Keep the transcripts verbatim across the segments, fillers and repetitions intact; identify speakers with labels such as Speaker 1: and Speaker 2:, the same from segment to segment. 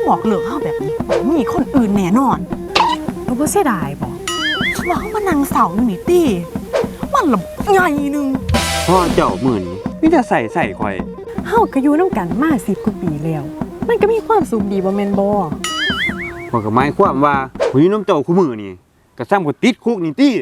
Speaker 1: บอกเลิกเฮาแบบนี้มีคนอื่นแน่นอน
Speaker 2: ตัวบ่เสียดายบ่
Speaker 1: ว่าเฮามานั่งเศร้านี่ติมันละใหญ่นึง
Speaker 3: พ่อเจ้าหมื่นนี่มีแต่ใส่ใส่ข่อย
Speaker 2: เฮาก็อยู่นำกันมาสิบกว่าปีแล้วมันก็มีความสุขดีบ่แม่นบ่
Speaker 3: พ่อก็หมายความว่าผู้อยู่นำเจ้าคู่มือนี่ก็ซ้ำก็ติดคุกนี่ติ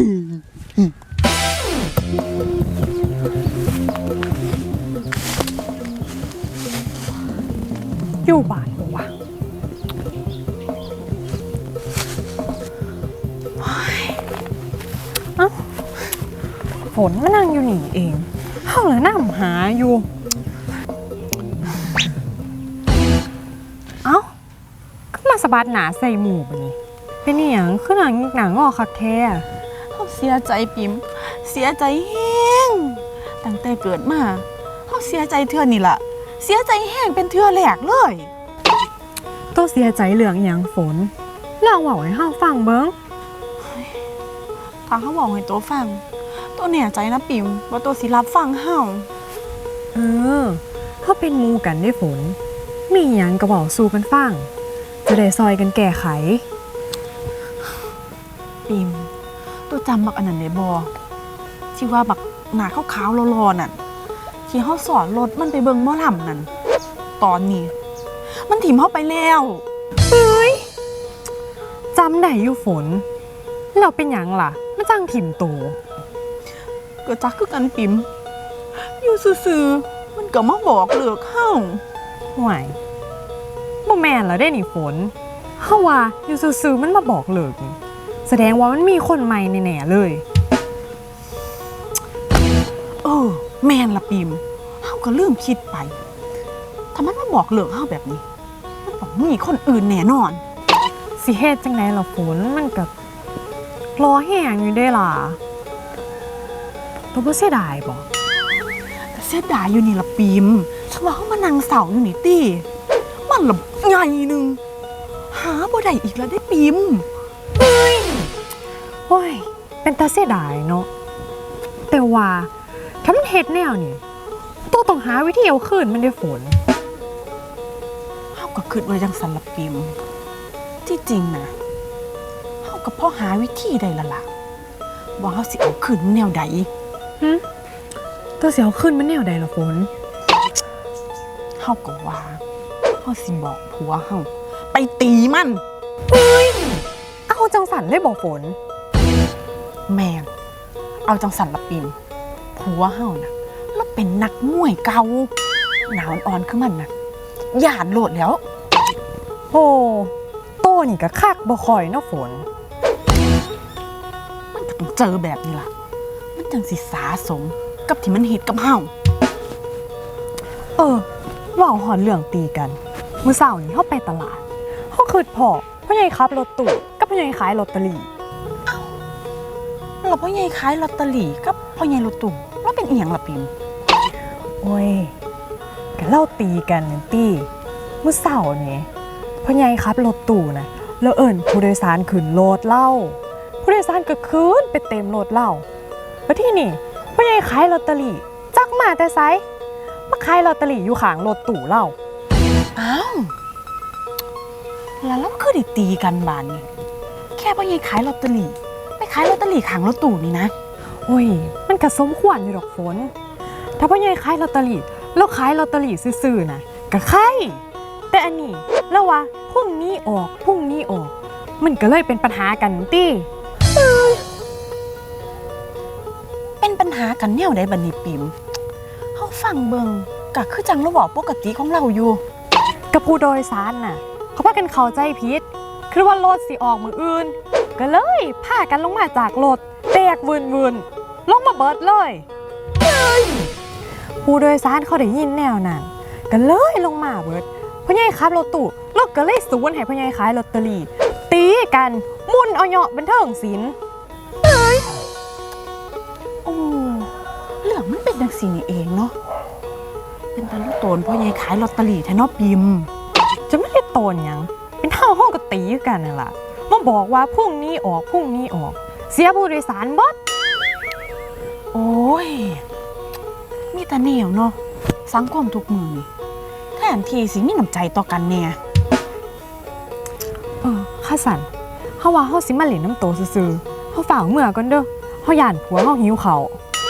Speaker 2: อยู่บ้านบ่วะเอ้าฝนมานั่งอยู่นี่เองเฮาเลยนำหาอยู่เอ้าก็มาสะบัดหนาใส่หมู่บัดนี้เป็นอีหยังคือหนังหนังงอคักแท้
Speaker 1: เฮาเสียใจปิ๋มเสียใจแฮงตั้งแต่เกิดมาเฮาเสียใจเทื่อนี่ล่ะเสียใจแฮงเป็นเทื่อแรกเลย
Speaker 2: ตัวเสียใจเรื่องอีหยังฝนลองเว้าให้เฮาฟังเบิ่ง
Speaker 1: ถ้าเฮาเว้าให้ตัวฟังตัวแน่ใจนะปิ๋มว่าตัวสิรับฟังเฮา
Speaker 2: เออเฮาเป็นหมู่กันได้ฝนมีหยังก็เว้าสู่กันฟังจะได้ซอยกันแก้ไข
Speaker 1: ปิมตัวจำบักอันนั้นได้บ่ที่ว่าบักหน้าขาวๆรอๆนั่นที่เฮาสอนรถมันไปเบิ่งหมอลำนั่นตอนนี้มันถิ่มเฮาไปแล้ว
Speaker 2: เฮ้ยจำได้อยู่ฝนเราเป็นหยังล่ะมันจังถิ่มโต
Speaker 1: ก็จักคือกันปิมอยู่ซื่อๆมันก็มาบอกเลิกเฮา
Speaker 2: ห่วยบ่แม่นแล้วได้นี่ฝนเฮาว่าอยู่ซื่อๆมันมาบอกเลิกนี่แสดงว่ามันมีคนใหม่แน่ๆเลย
Speaker 1: เออแม่นละปิมเฮาก็ลืมคิดไปถ้ามันมาบอกเลิกเฮาแบบนี้มันต้องมีคนอื่นแน่นอน
Speaker 2: สิเฮ็ดจังได๋ล่ะฝนมันก็รอแห้งอยู่เด้ล่ะตัวบ่เสียดายบ่
Speaker 1: ก็เสียดายอยู่นี่ละปิมถ้าว่าเฮามานั่งเศร้าอยู่นี่ติมันละใหญ่นึงหาบ่ได้อีกแล้วได้ปิม
Speaker 2: เฮ้ยโอ้ยเป็นตาเสียดายเนาะแต่ว่าถ้ามันเฮ็ดแนวนี่ตัวต้องหาวิธีเอาคืนมันได้ฝน
Speaker 1: เฮาก็คิดว่าจังซั่นล่ะปิมที่จริงนะเฮาก็พอหาวิธีได้ละล่ะว่าเฮาสิเอาคืนแนวใด
Speaker 2: หึตัวสิเอาคืนมันแนวใดล่ะฝน
Speaker 1: เฮาก็ว่าเฮาสิบอกผัวเฮาไปตีมัน
Speaker 2: เฮ้ยเอาจังสันเลยบ่ฝน
Speaker 1: แม่งเอาจังสันละปิมผัวเฮาน่ะแล้วเป็นนักมวยเก่าหนาวอ่อนๆคือมันน่ะย่านโลดแล้ว
Speaker 2: โอ้โตนี่ก็คักบ่ค่อยเนาะฝน
Speaker 1: มันก็ต้องเจอแบบนี้ล่ะมันจังสิสาสมกับที่มันเฮ็ดกับเฮา
Speaker 2: เออเว้าฮอดเรื่องตีกันมื้อเช้านี้เฮาไปตลาดเฮาคิดพอพ่อใหญ่ขับรถตู้กับพ่อใหญ่ขายลอตเตอรี่
Speaker 1: อ้าวแล้วพ่อใหญ่ขายลอตเตอรี่กับพ่อใหญ่รถตู้แล้วเป็นอีหยังล่ะปิม
Speaker 2: โอ้ยก็เล่าตีกันนั่นติมื้อเช้านี่พ่อใหญ่ขับรถตู้น่ะแล้วเอิ้นผู้โดยสารขึ้นรถเล่าผู้โดยสารก็ขึ้นไปเต็มรถเล่าแล้วที่นี่พ่อใหญ่ขายลอตเตอรี่จักมาแต่ไสมาขายลอตเตอรี่อยู่ข้างรถตู้เล่า
Speaker 1: อ้าวแล้วเราคือได้ตีกันบานนี่แค่พ่อใหญ่ขายลอตเตอรี่ไปขายลอตเตอรี่ข้างรถตู้นี่นะ
Speaker 2: โอ้ยมันก็สมควรอยู่ดอกฝนถ้าพ่อใหญ่ขายลอตเตอรี่แล้วขายลอตเตอรี่ซื่อๆน่ะก็ใครแต่อันนี้แล้วว่าพรุ่งนี้ออกพรุ่งนี้ออกมันก็เลยเป็นปัญหากันติ
Speaker 1: เป็นปัญหากันแนวใดบัดนี้ปิมเฮาฟังเบิ่งก็คือจังเราเว้าปกติของเราอยู่
Speaker 2: กับผู้โดยสารน่ะเขาพากันเข้าใจผิดคือว่ารถสิออกมื้ออื่นก็เลยพากันลงมาจากรถแตกวืนๆลงมาเบิดเลยผู้โดยสารเขาได้ยินแนวนั้นก็เลยลงมาเบิดพ่อใหญ่ขับรถตู้รถก็เลยสวนให้พ่อใหญ่ขายลอตเตอรี่ตีกันมุนเอาเหาะบันเทิงศิลป์
Speaker 1: เอ้ยโอ้เรื่องมันเป็นจังซี่นี่เองเนาะเป็นตาลูกโตนพ่อใหญ่ขายลอตเตอรี่แท้เนาะปิม
Speaker 2: จะไม่ได้โตนหยังเป็นเท่าห้องก็ตีกันนั่นล่ะมาบอกว่าพรุ่งนี้ออกพรุ่งนี้ออกเสียผู้โดยสารเบิด
Speaker 1: โอ้ยมีแต่แนวเนาะสังคมทุกมื้อนี่แทนที่สิมีน้ำใจต่อกันแน่
Speaker 2: เออข้าสันเฮาว่าเฮาสิมาเล่นน้ำโตซื่อๆเฮาฝ่ากเมื่อก่อนเด้อเฮาย่านผัวเฮาหิวข้าว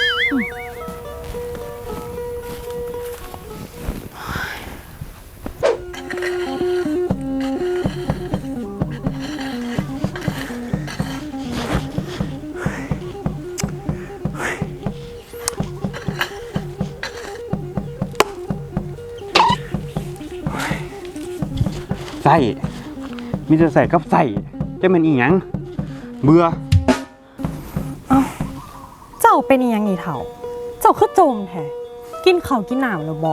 Speaker 3: ใส่มีแต่ใส่กับใส่จะเป็นอีหยังเบื่อ
Speaker 2: เจ้าเป็นอีหยังนี่เฒ่า เจ้าคือโจมแท้กินข้าวกินน้ำแล้วบ่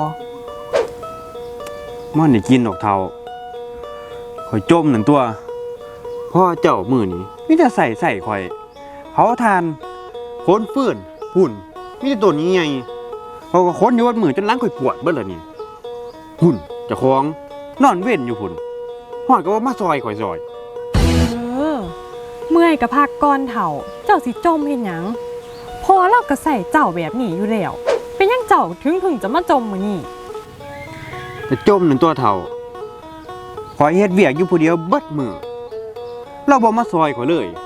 Speaker 3: ม่อนได้กินดอกเทาคอยจมหนึ่งตัวพ่อเจ้ามือนี้มีแต่ใส่ใส่คอยเผาทานโค้นฟื้นหุ่นมีแต่ตัวนี้ไงเขาก็ค้นอยู่วัดมือจนล้างคอยปวดเบิดเลยนี่หุ่นเจะคล้าของนอนเว้นอยู่หุ่นหอดก็ว่ามาซอยคอยซอย
Speaker 2: เออเมื่อยก็พักก่อนเฒ่า เจ้าสิจมเฮ็ดหยังพอเราก็ใส่เจ้าแบบนี้อยู่แล้วเป็นหยังเจ้าถึงถึงจะมาจมมื้อนี้
Speaker 3: แต่จมหนึ่งตัวเท่าคอยเฮ็ดเวียกอยู่ผู้เดียวเบิดมือเราบ่มาซอยคอยเลย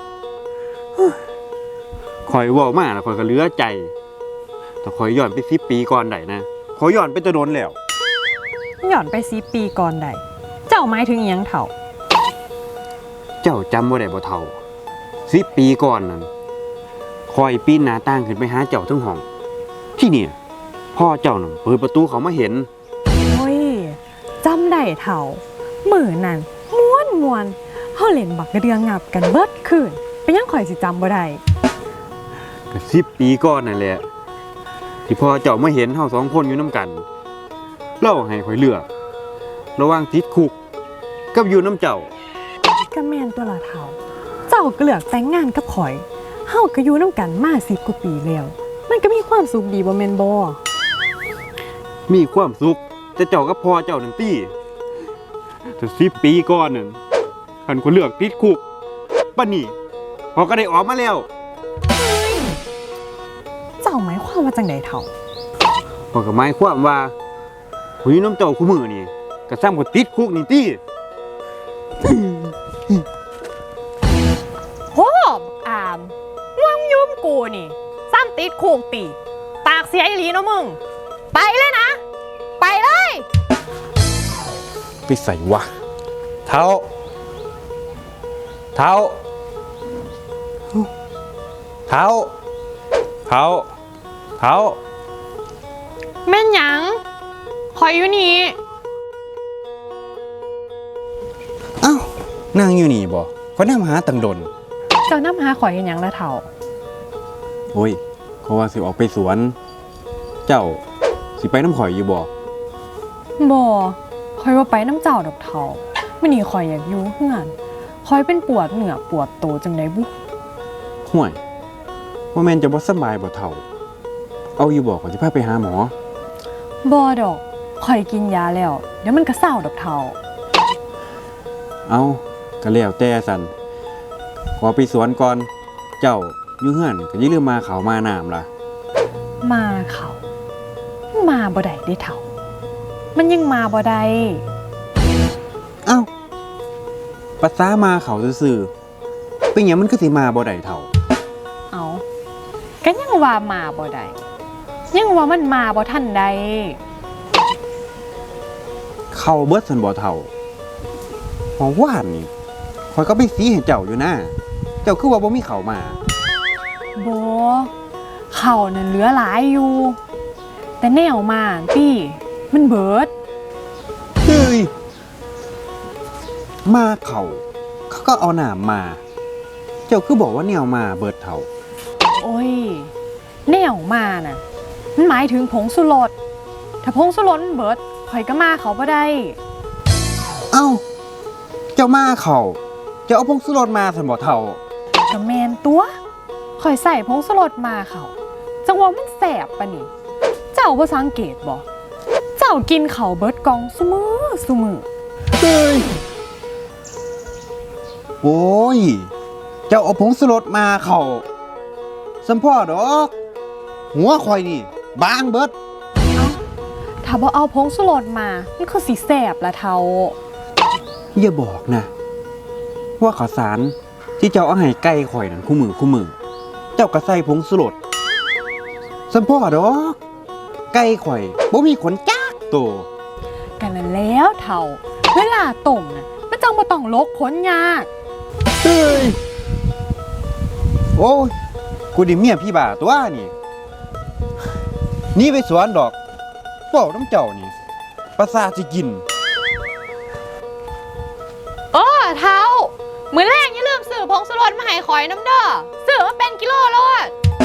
Speaker 3: คอยเว้ามาแล้วคอยก็เหลือใจแต่คอยย้อนไปสิบปีก่อนได้นะคอยย้อนไปจะโดนแล้ว
Speaker 2: ย้อนไปสิปีก่อนได้เจ้าหมายถึงอิหยังเฒ่า
Speaker 3: เจ้าจำบ่ได้บ่เท่าสิบปีก่อนนั้นคอยปีนหน้าต่างขึ้นไปหาเจ้าทั้งห้องที่เนี่ยพ่อเจ้าน่ะเปิดประตูเขามาเห็น
Speaker 2: โอ้ยจำได้เฒ่ามื้อนั้นม่วนม่วนๆเฮาเล่นบักกระเดืองงับกันเบิดคืนเป็นหยังข่อยสิจำบ่ได้
Speaker 3: ก็สิบปีก่อนนั่นแหละที่พ่อเจ้ามาเห็นเฮาสองคนอยู่น้ำกันเล่าให้ข่อยเลือกระหว่างติดคุกกับอยู่น้ำเจ้า
Speaker 2: ก็แม่นตัวละเฒ่า เจ้าก็เลือกแต่งงานกับข่อยเฮาก็อยู่นำกันมาสิบกว่าปีแล้วมันก็มีความสุขดีบ่แม่นบ่
Speaker 3: มีความสุขแต่เจ้ากับพ่อเจ้านั่นตี้แต่สิบปีก่อนนั่นคันคนเลือกติดคุกป่านนี้พอก็ได้ออกมาแล้ว
Speaker 2: เจ้าหมายความว่าจังไดเฒ่า
Speaker 3: พอก็หมายความว่าหุยน้ำเจ้าคู่มือนี่ก็ซ้ำกับติดคุกนี่ตี้
Speaker 2: โหอามมึงยุ่มกูนี่ซ้ำติดคุกติปากเสียอีหลีเนาะมึงไปเลยนะ ไปเลย
Speaker 3: ไปใส่วะเท้าเท้าเท้าเท้าเท้า
Speaker 2: แม่นหยังข่อยอยู่นี่
Speaker 3: เอ้านั่งอยู่นี่บ่เขานำหาตังดน
Speaker 2: เจ้านำหาข่อยเฮ็ดหยังละเฒ่า
Speaker 3: โอ้ยเขาว่าสิออกไปสวน เจ้าสิไปน้ำข่อยอยู่บ่
Speaker 2: บ่ข่อยว่าไปน้ำเจ้าดอกเฒ่ามื้อนี้ข่อยอยากอยู่เฮือนข่อยเป็นปวดเหนือปวดโตจังได๋บุ
Speaker 3: ห่วยว่าแม่นจะบ่สบายบ่เฒ่า เอาอยู่บ่ขอยสิพาไปหาหมอ
Speaker 2: บ่ดอกข่อยกินยาแล้วเดี๋ยวมันก็เศร้าดอกเฒ่า
Speaker 3: เอาก็แล้วแต่สันขอไปสวนก่อน เจ้าอยู่เฮือนก็อย่าลืมมาเขาวมาน้ำล่ะ
Speaker 2: มาเขามาบ่ได้เด้เฒ่า มันยังมาบ่ได้
Speaker 3: เอ้าภาษามาเขาซื่อๆเป็นหยังมันคือสิมาบ่ได้เฒ่า
Speaker 2: เอาก็ยังว่ามาบ่ได้ยังว่ามันมาบ่ทันใด
Speaker 3: เข้าเบิดสันบ่เฒ่าหอว่านนี่ข่อยก็ไปสีให้เจ้าอยู่นะเจ้าคือว่าบ่มีเขาวมา
Speaker 2: บ่เขานั่นเหลือหลายอยู่ แต่แนวมาพี่มันเบิด
Speaker 3: เฮ้ย มาเขาเขาก็เอาหนามมา เจ้าคือบอกว่าแนวมาเบิดเฒ่า
Speaker 2: โอ้ย แนวมาน่ะ มันหมายถึงผงสุรสถ้าผงสุรสมันเบิดข่อยก็มาเขาบ่ได้
Speaker 3: เอ้า เจ้ามาเขาเจ้าเอาพงสุรสมาสันบ่เฒ่า
Speaker 2: ก็แมนตัวข่อยใส่ผงสุรสมาเขาจังว่ามันแสบปะนี่ เจ้าบ่สังเกตบ่เจ้ากินเขาวเบิดกองซุมือซุมือ
Speaker 3: เฮ้ย โอ้ย เจ้าเอาผงสุรสมาเขาสัมพ่อดอก หัวข่อยนี่ บางเบิด
Speaker 2: ถ้าบ่เอาผงสุรสมามันคือสิแสบละเทา
Speaker 3: อย่าบอกนะว่าข้าวสารที่เจ้าเอาให้ไก่ข่อยนั่นคู่มือคู่มือ เจ้าก็ใส่ผงสุรสสัมพ่อดอกไก่ข่อยบ่มีขนจักโตว
Speaker 2: กันนั่นแล้วเท่าเวลาต้มน่ะมันจังบ่ต้องลกขนยาก
Speaker 3: เฮ้ยโอ้ยกูดิเมียพี่บ่าตัวนี่หนี่ไปสวนดอกเว้าน้ำเจ้านี่ประสาทสิกิน
Speaker 4: เออเท้ามื้อแรกอย่าลืมซื้อผงสุรสมาให้ข่อยน้ำเด้อซื้อมาเป็นกิโลโลด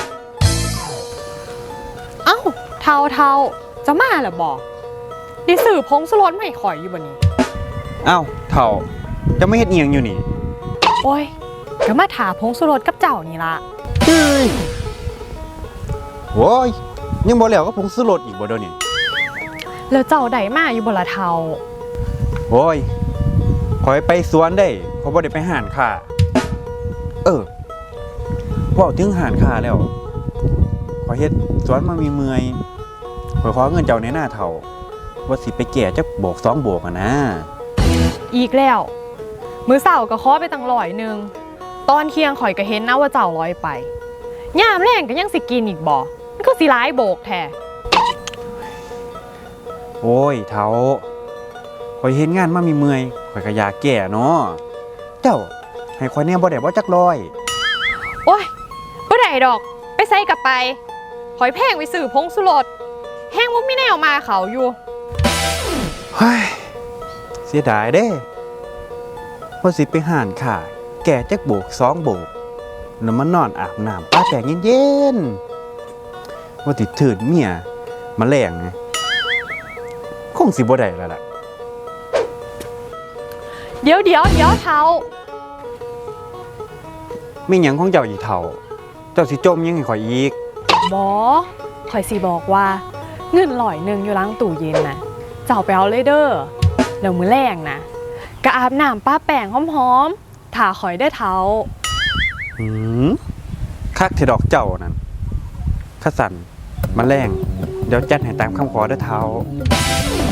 Speaker 2: เอ้าเท่าเท่าจะมาเหรอบอกดิสื่อพงสุรสไม่ข่อยอยู่บนนี้
Speaker 3: เอ้าเฒ่าจะไม่เฮ็ดเอียงอยู่นี่
Speaker 2: โอ้ยก็มาถาพงสุรสกับเจ้านี่ละ
Speaker 3: เฮ้ยโว้ยยังบ่แล้วก็ผงสุรสอีกบ่เดี๋ยวนี้
Speaker 2: แล้วเจ้าใดมาอยู่บนละเท่า
Speaker 3: โอ้ยข่อยไปสวนได้เขาบ่ได้ไปหานค้าเออเว้าถึงหานค้าแล้วข่อยเฮ็ดสวนมามีเมื่อยข่อยขอเงินเจ้าในหน้าเฒ่าว่าสิไปแก่จักโบกสองโบกอะนะ
Speaker 2: อีกแล้ว มือเสาก็ขอไปตั้งร้อยหนึ่งตอนเที่ยงข่อยก็เห็นนะว่าเจ้าร้อยไปย่ามแรงก็ยังสิกินอีกบ่มันก็สิร้ายโบกแท้
Speaker 3: โอ้ยเฒ่าข่อยเฮ็ดงานมามีเมื่อยข่อยก็อยากแก่เนาะเจ้าให้ข่อยแหน่บ่ได้บ่จักร้อย
Speaker 2: โอ้ยบ่ได้ดอกไปใส่กับไปข่อยแพงไปซื้อพงสุรสแห้งบ่มีแนวมาเขาอยู่
Speaker 3: เฮ้ยเสียดายเด้ว่าสิไปหานค้าแก่จักโบกสองโบกแล้วมานอนอาบน้ำป้าแปงเย็นๆว่าติดถืดเมียมาแรงไงคงสิบ่ได้แล้วล่ะ
Speaker 2: เดี๋ยวเดี๋ยวเดี๋ยวเท้า
Speaker 3: มีหยังของเจ้าอีเฒ่า เจ้าสิจมยังให้ข่อยอีก
Speaker 2: บอข่อยสิบอกว่าเงินลอยหนึ่งอยู่ล้างตู้เย็นนะเจ้าไปเอาเลยเด้อแล้วมือแรงนะกะอาบน้ำป้าแป้งหอมๆถ่าข่อยได้เท้า
Speaker 3: หืมคักเทดอกเจ้านั่นข้าสั่นมาแรงเดี๋ยวจัดให้ตามคำขอเด้อเฒ่า